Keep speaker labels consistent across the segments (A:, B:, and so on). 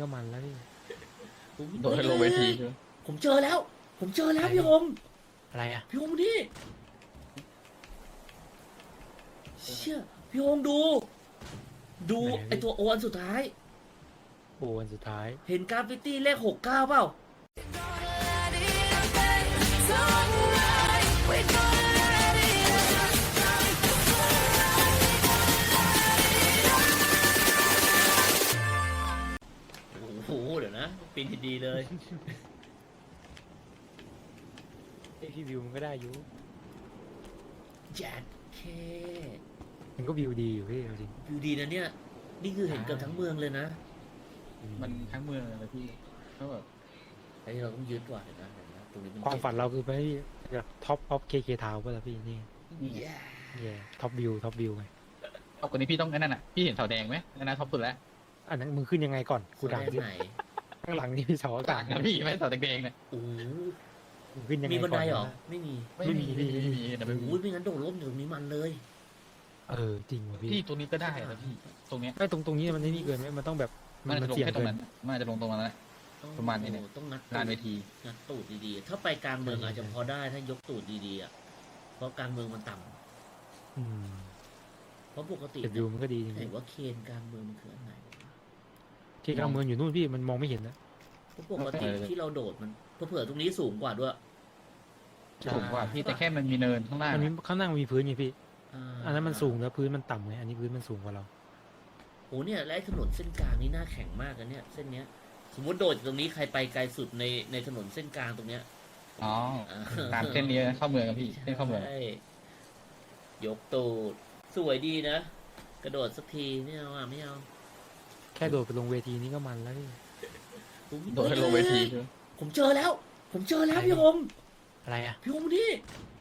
A: ก็มันแล้วพี่
B: โดดให้ลงเวทีใช่ไหม
C: ผมเจอแล้ว ผมเจอแล้วพี่โฮม
A: อะไรอ่ะ
C: พี่โฮมนี่เชี่ยพี่โฮมดู ดูไอตัวโออันสุดท้าย
A: โอ้วันสุดท้าย
C: เห็นกราฟฟิตี้เลข69เปล่าโอ้โหเดี๋ยวนะปีนดีเลย
A: ไอพี่วิวมันก็ได้อยู่
C: แจ็คเค
A: มันก็วิวดีอยู่พี่เอาจริง
C: วิวดีนะเนี่ย นี่คือเห็นเกือบทั้งเมืองเลยนะ
B: มันทั้งเมืองเลยพี่ก็แบบ
C: ไอ้เราต้องยึดว่ะเห็นนะตรงนี้มัน
A: ความฝันเราคือไปท็อปออฟเคทาวน์ป่ะล่ะพี่นี่
C: แย่
A: ท็อปวิวไง
B: เอาคนนี้พี่ต้องไอ้นั่นน่ะพี่เห็นเสาแดงไหมนั่นนะท็อปสุดแล้ว
A: อันนั้นมึงขึ้นยังไงก่อนกูถามดิ
C: ไหน
A: ข้างหลังนี่มีเสาอากา
B: ต่า
A: ศ
B: งนะพี่ไม่เสาแดงๆเนี่ย
C: โอ้โห
A: มึงขึ้นยังไง
C: มีบัน
A: ก่
C: ได
A: อน
C: เหรอ
A: นะ
C: ไม่มี
A: ไม่มี
B: นะ
C: โอ้ยไม่งั้นโดดร่มอยู่ตรงนี้มันเลย
A: จริงว่ะพี่
B: พี่ตรงนี้ก็ได้นะพี่ตรงเนี้ย
A: ไม่ตรงนี้มันนี่เกินไหมมันต้องแบบ
B: มันจะลง
A: เสี่ยง
B: แค่ตร
A: เกิ
B: ง
A: น
B: นั้นมันอาจจะลงตรงนั้นแหละ ประมาณนี้เนี่ย
C: ต้องงัด
B: ลานเวที
C: งัดตูดดีๆ ถ้าไปกลางเมืองอาจจะพอได้ถ้ายกตูดดีๆอ่ะ เพราะกลางเมืองมันต่ำ
A: อืม
C: เพราะปกติ
A: แต่วิวมันก็ดีจริง
C: เห็นว่าเคนกลางเมืองมันคืออันไหนวะ
A: ๆที่กลางเมืองอยู่นู่นพี่มันมองไม่เห็นนะ
C: เพราะปกติที่เราโดดมันเผื่อๆตรงนี้สูงกว่าด้วย
B: สูงกว่าพี่แต่แค่มันมีเนินข้างล่าง
A: มันมีข้างล่างมันมีพื้นไงพี่
C: า
A: อันนั้นมันสูงแล้วพื้นมันต่ำไงอันนี้พื้นมันสูงกว่าเรา
C: โอ้เนี่ยและไอ้ถนนเส้นกลางนี่น่าแข่งมากนะเนี่ยเส้นเนี้ย สมมติโดดจากตรงนี้ใครไปไกลสุดในถนนเส้นกลางตรงเนี้ย
B: อ๋อตามเส้นนี้เข้าเมืองครับพี่เส้นเข้าเมือง
C: ใช่ยกตูดสวยดีนะ กระโดดสักทีไม่เอาอ่ะไม่เอา
A: แค่โดดไปลงเวทีนี้ก็มันแล้วพี่
B: โดดให้ลงเวทีใช่ไหม
C: ผมเจอแล้ว ผมเจอแล้วพี่โฮม
A: อะไรอ่ะ
C: พี่โฮมนี่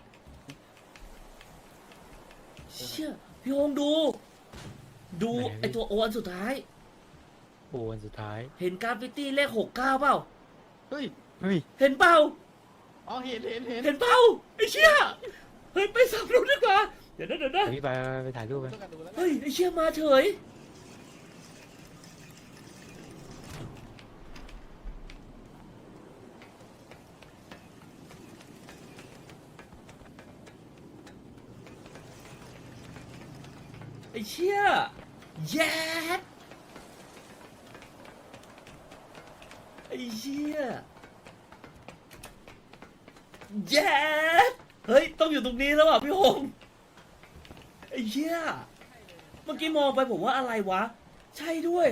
C: เชี่ยพี่โฮมดู ดูไอตัวโออันสุดท้าย
A: โอ้วันสุดท้าย
C: เห็นกราฟฟิตี้เลข69เปล่า
B: เฮ้ย
A: เฮ้ย
C: เห็นเปล่า
B: อ๋อเห็น
C: เห็นเปล่าไอเชี่ยเฮ้ยไปสำรวจดีกว่าเดี๋ยวนะ
A: เดี๋ยวพี่ไปถ่ายรูปไป
B: ต้องการดูแล้ว
C: เฮ้ยไอเชี่ยมาเฉยไอเชี่ยแย่ไอเชี่ยแย่เฮ้ยต้องอยู่ตรงนี้แล้วอ่ะพี่โฮงไอเชี่ยเมื่อกี้มองไปผมว่าอะไรวะ ใช่ด้วย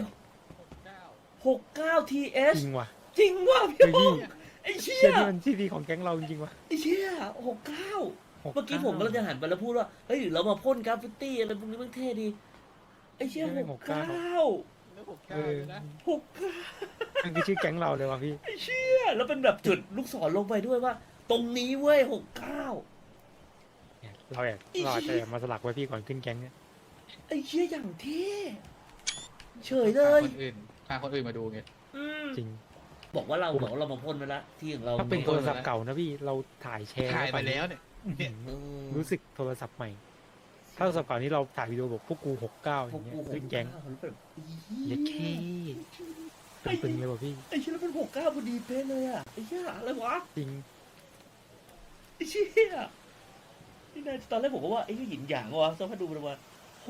C: 69 TS
A: จริงว่ะ
C: จริงว่ะพี่
A: เฮ้ย
C: โฮ
A: พี่
C: งไอเชี่
A: เชี่
C: ย
A: ยนี่มันที่ดีของแก๊งเราจริงๆว่ะ
C: ไอเชี่ย69 เมื่อกี้ผมกำลังจะหันไปแล้วพูดว่า เฮ้ยหรือเรามาพ่นกราฟฟิตี้อะไรพวกนี้มันเท่ดี ไอเชี่ย69
A: เออ
C: 69
A: มันคือชื่อแก๊งเราเลยว่ะพี่
C: ไอเชี่ยแล้วเป็นแบบจุดลูกศรลงไปด้วยว่า ตรงนี้เว้ย69
A: เนี่ยเราอาจจะมาสลักไว้พี่ก่อนขึ้นแก๊งเนี่ย
C: ไอเชี่ยอย่างเท่เฉยเลย
B: พาคนอื่นมาดูไง
C: อืม
A: จริง
C: บอกว่าเรามาพ่นไปละที่ของเรา
A: ถ้าเป็นโทรศัพท์เก่านะพี่เราถ่ายแชร์
B: ถ่ายไปแล้วเนี่ย
C: เออ
A: รู้สึกโทรศัพท์ใหม่ ถ้าโทรศัพท์เก่านี้เราถ่ายวิดีโอบอกพวกกู69อ
C: พวก
A: ย่างเงี้ย
C: กู
A: ขึ้นแก๊ง
C: 69มันแบบ
A: เล็กเคตึงๆเลยว่ะพี่
C: ไอ้เชี่ยแล้วเป็น69พอดีเป๊ะเลยอ่ะไอ้เชี่ยอะไรวะ
A: จริง
C: ไอ้เชี่ยนี่นายตอนแรกผมก็ว่าไอ้เหี้ยหยินหยางวะสักพักดูมันมา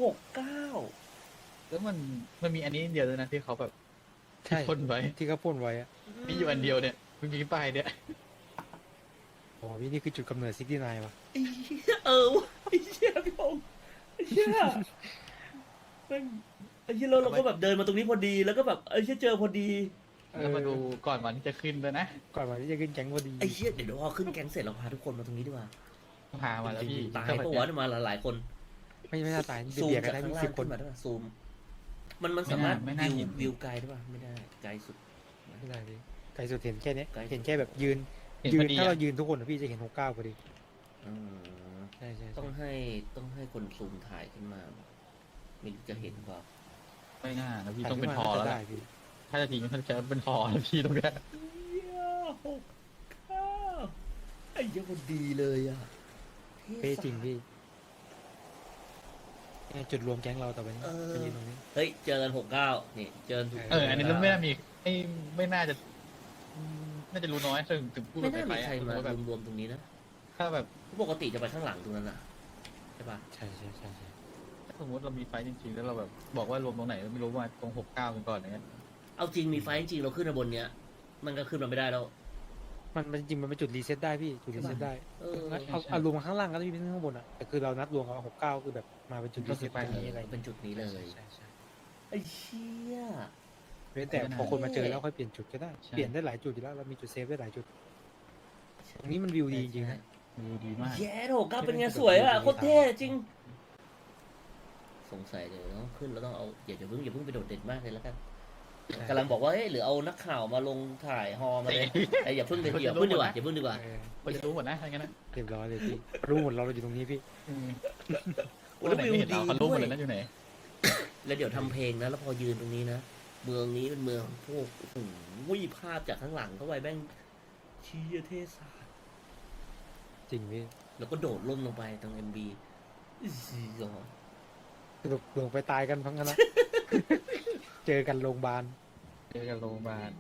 C: 69
B: แล้วมันมีอันนี้เดียวเลยนะที่เขาแบบ
A: ใช่
B: พ่นไว้
A: ที่เขาพ่นไว้อะ
B: มีอยู่อันเดียวเนี่ยมันมีป้ายเนี่ย
A: โอ้พี่นี่คือจุดกำเนิด69ว่ะ
C: ไอ้เชี่ยวะไอ้เชี่ยพี่พงษ์ไอ้เชี่ยแม่งไอ้เชี่ยแล้วเราก็แบบเดินมาตรงนี้พอดีแล้วก็แบบไอ้เชี่ยเจอพอดี
B: แล้วมาดูก่อนวันที่จะขึ้นด้วยนะ
A: ก่อนวันที่จะขึ้นแก๊งพอดี
C: ไอ้เชี่ยเดี๋ยวพอขึ้นแก๊งเสร็จเราพาทุกคนมาตรงนี้ดีกว่า
B: พามาแล้วพี่
C: ตายปะวะเนี่ยมาหลายๆคน
A: ไม่น่าตาย
C: ซูม
A: เบียดกั
C: จาน ก
A: ได้
C: ข้างล่า
A: สิ
C: ง
A: บค
C: ขึ้
A: น
C: นมาได้ป่ะซูมมันสามารถวิวไกลได้ป่ะไม่ได้ไกลสุด
A: ไม่ได้พี่ไกลสุดเห็นแค่เนี้ย
C: ไกลสุด
A: เห็นแค่แบบยืน
B: เห็น
A: ยื
B: พอน ดี
A: ถ้า
B: อะ
A: เรายืนทุกคนอะพี่จะเห็น69พอดี
C: อืม
A: ใช่ใช่
C: ต้องให้คนซูมถ่ายขึ้นมาไม่รู้จะเห็นเปล่า
B: ไม่น่านะพี่ต้องเป็นพอแล้ว
A: ได้
B: ล่ะ
A: พี่
B: ถ้าจะทิ้งถ้าจะเป็นพอแล้วพี่ตรงเนี้ย
C: เหี้ย69ไอ้เหี้ยังคนดีเลยอ่ะ
A: เป๊ะจริงพี่
C: ไอ้
A: จุดรวมแก๊งเราต่อไปนี้ไปยืนตรงนี้
C: เฮ้ยเจอกัน69นี่เจอกัน
B: อันนี้ไม่น่ามีไม่น่าจะน่าจะรู้น้อยถึงพูด
C: ไม่
B: ไป
C: น่า
B: ไป
C: มีใครมา
B: แบบ
C: รวมๆตรงนี้นะ
B: ถ้าแบบ
C: ปกติจะไปข้างหลังตรงนั้นน่ะใช่ปะ
A: ใช่ใช่ใช่ใช่
B: ถ้าสมมติเรามีไฟท์จริงๆแล้วเราแบบบอกว่ารวมตรงไหนไม่รู้ว่าตรง69กันก่อนอย่างเงี้ย
C: เอาจริงมีไฟจริงเราขึ้นมาบนเนี้ยมันก็ขึ้นมาไม่ได้แล้ว
A: มันจริงมันเป็นจุดรีเซ็ตได้พี่จุดรีเซ็ตได้
C: เออ
A: เอารวมข้างล่างก็ได้พี่ไม่ต้องข้างบนอ่ะแต่คือเรานัดรวมกับ69คือแบบมาเป็นจุดรีเซ็ตตรงนี้อะไร
C: เป็นจุดนี้เลย
A: ใช่ใช่
C: ไอ้เชี่ย
A: เว้นแต่พอคนมาเจอแล้วค่อยเปลี่ยนจุดก็ได้เปลี่ยนได้หลายจุดอยู่แล้วเรามีจุดเซฟได้หลายจุดตรงนี้มันวิวดีจริงๆนะ
B: ดีมาก
C: แย่โถก้าเป็นไงสวยอ่ะโคตรเท่จริง สงสัยเดี๋ยวต้องขึ้นแล้วต้องเอาอย่าเพิ่งไปโดดเด่นมากเลยแล้วกันกำลังบอกว่าเฮ้ยหรือเอานักข่าวมาลงถ่ายฮอมาเลยไอ้อย่าเพิ่งดีกว่าอย่าเพิ่งดีกว่า
B: คนจะรู้หมดนะถ้างั้นนะ
A: เรียบร้อยเลยพี่รู้หมดเราอยู่ตรงนี้พี่
C: แล้ววิว
B: ไม่เห็น
C: ดี
B: เราเขารู้หม
C: ด้ว
B: ด
C: ย
B: เลยนะอยู่ไหน
C: แล้วเดี๋ยวทำเพลงนะแล้วพอยืนตรงนี้นะเมืองนี้เป็นเมืองพวกโอ้โหภาพจากข้างหลังเข้าไปแม่งเชียเทศาสตร์
A: จริงพี่
C: แล้วก็โดดล่มลงไปตรงMBอี๋
A: สรุปลงไปตายกันทั้งนั้นนะ เจอกันโรงพยาบาล
B: เจอกันโรงพยาบาล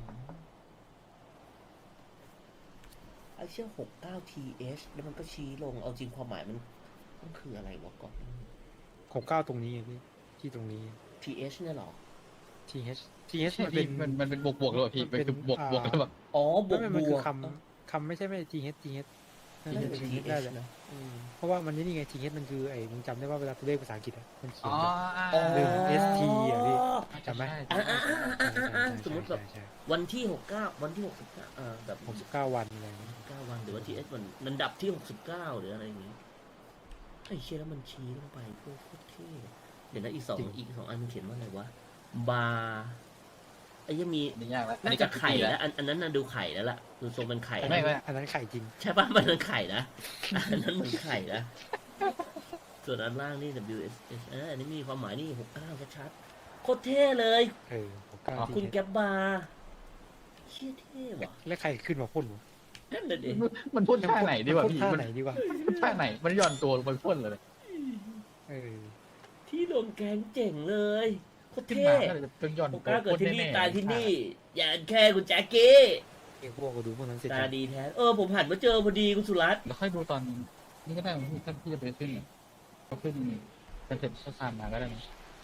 C: ไอ้เชี่ย69TH แล้วมันก็ชี้ลงเอาจริงความหมายมันคืออะไรวะก่อน
A: 69ตรงนี้ไงพี่ที่ตรงนี้
C: TH เนี่ยเหรอ
A: TH
B: ใช่
A: มันเป็น
B: มันเป็นบวกหรือเปล่าพี่เป็นบวกแล้วแบบ
C: อ๋อบวก
A: ไม่
C: บ
A: มันคื
C: ว
A: อก คำไม่ใช่ไม่ TH น่า
C: น่า
A: จะ
C: จะ
A: เป็น
C: เป็น
A: TH ได้
C: TH
A: เลย
C: นะอืม
A: เพราะว่ามันนี่ไง TH มันคือไอ้มึงจำได้ว่าเวลาตัวเลขภาษาอังกฤษอะมันเขียน
B: อ๋อ
A: แบบ หนึ่ง ST อ่ะพี่ จำไหม
C: สมมติแบบ
A: ใช่
C: วันที่69วันที่69แบบ
A: 69วันอะไรอย่างเงี้ย
C: 69วันหรือว่า TH มันดับที่69หรืออะไรอย่างงี้ไอ้เชี่ยแล้วมันชี้ลงไปโคตรเท่เดี๋ยวนะอีกสองอันมันเขียนว่าอะไรวะบาร์ไอ้ยังมี
B: นี่ยากแล้ว
C: น่าจะไข่แล้วอันนั้นน่ะดูไข่แล้วล่ะดูทรงเป็นไข่
B: ไม่
A: อันนั้นไข่จริง
C: ใช่ป่ะมันเป็นไข่นะอันนั้นเหมือนไข่นะส่วนอันล่างนี่ WSS อันนี้มีความหมายนี่69ชัดๆโคตรเท่เลย
A: 69
C: คุณ
A: TH
C: แกบบาร์เชี่ยเท่ว่ะ
A: แล้วใครขึ้นมาพ่นวะ
C: นั่นน่ะดิ
B: มันพ่นท่าไหนดีกว่าพี่
A: ท่า
B: มัน
A: ไหนดีกว่า
B: ท่าไหนมันหย่อนตัวลงไปพ่นเลย
A: เออ
C: ที่โดนแกงเจ๋งเลยโคตร
B: ขึ้น
C: เท่
B: มาก็เลยจะหย่อน
C: โอ
B: ตัว
C: ก้าเกิด
B: พ่น
C: ที่นี่
B: แน่ๆ
C: ตายที่นี่ อย่าแค่คุณแจ็คกี้
A: เอกพวกก็ดูพวกนั้นเสร็จ
C: ตาดีแท้ผมหันมาเจอพอดีคุณสุรัตน์
B: แล้วค่อยดูตอนนี่ก็ได้ถ้าพี่จะไปขึ้นก็ขึ้นเป็นเสร็จก็ตามมาก็ได้นะ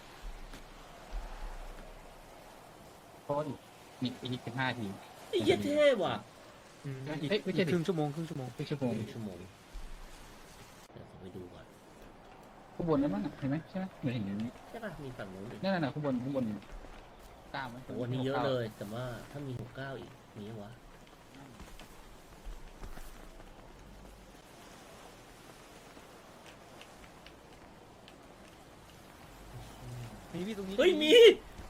B: เพราะว่าอีก15 ที
C: ไอ้เหี้ยเท่ว่ะ
A: อีก
B: เอ้ยไม่ใช่ดิ
A: ครึ่งชั่วโมง
B: ครึ่งชั่วโมง
C: 1 ชั่วโมงเดี๋ยวขอไปดูก่อน
B: ข้างบนนั้นมั้งเห็นไหมใช่ไหมเหมือนเห็นอย่างนี้
C: ใช่ป่ะมีฝั่งนู้นอีก
B: นั่นน่ะข้างบนกล้ามไหม
C: โอ้วันนี้เยอะเลย แต่ว่าถ้ามี69อีกมีวะ
A: มีพี่ตรงนี้
C: เฮ้ยมี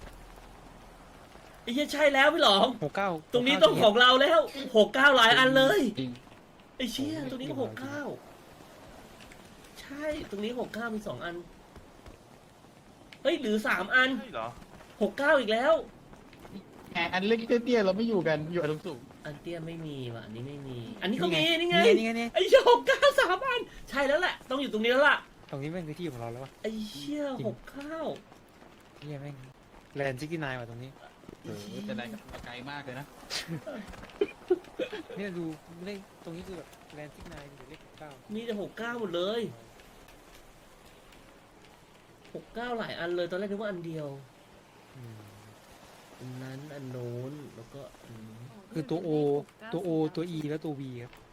C: ไอ้เหี้ยใช่แล้วพี่หลอง
A: 69
C: ตรงนี้ต้องของเราแล้ว69หลายอันเลย
B: จริง
C: ไอ้เชี่ยตรงนี้ก็69ใช่ตรงนี้69มี2 อันเฮ้ยหรือ3 อัน
D: ใช่เหรอ
C: 69อีกแล้ว
B: แหมอันเล็กเตี้ยๆเราไม่อยู่กันอยู่อันสูง
C: อันเตี้ยไม่มีว่ะอันนี้ไม่มี อันนี้ก็มีนี่ไง
A: นี่ไง
C: ไอ้เชี่ย69 3 อันใช่แล้วแหละต้องอยู่ตรงนี้แล้วล่ะ
A: ตรงนี้แม่งคือที่ของเราแล้ววะ
C: ไอ้เชี่ย69
A: เฮียแม่งแลนด์69ว่ะตรงนี้
B: จะได้กับไกลมากเลยนะ
A: เนี่ยดูเลขตรงนี้คือแบบแลนด์69อยู่เลข69
C: มีแต่69หมดเลย69หลายอันเลยตอนแรกนึกว่าอันเดียว
A: อืม
C: อันนั้นอันโน้นแล้วก็อันนี้
A: คือตัว O ตัว E แล้วตัว V ครับ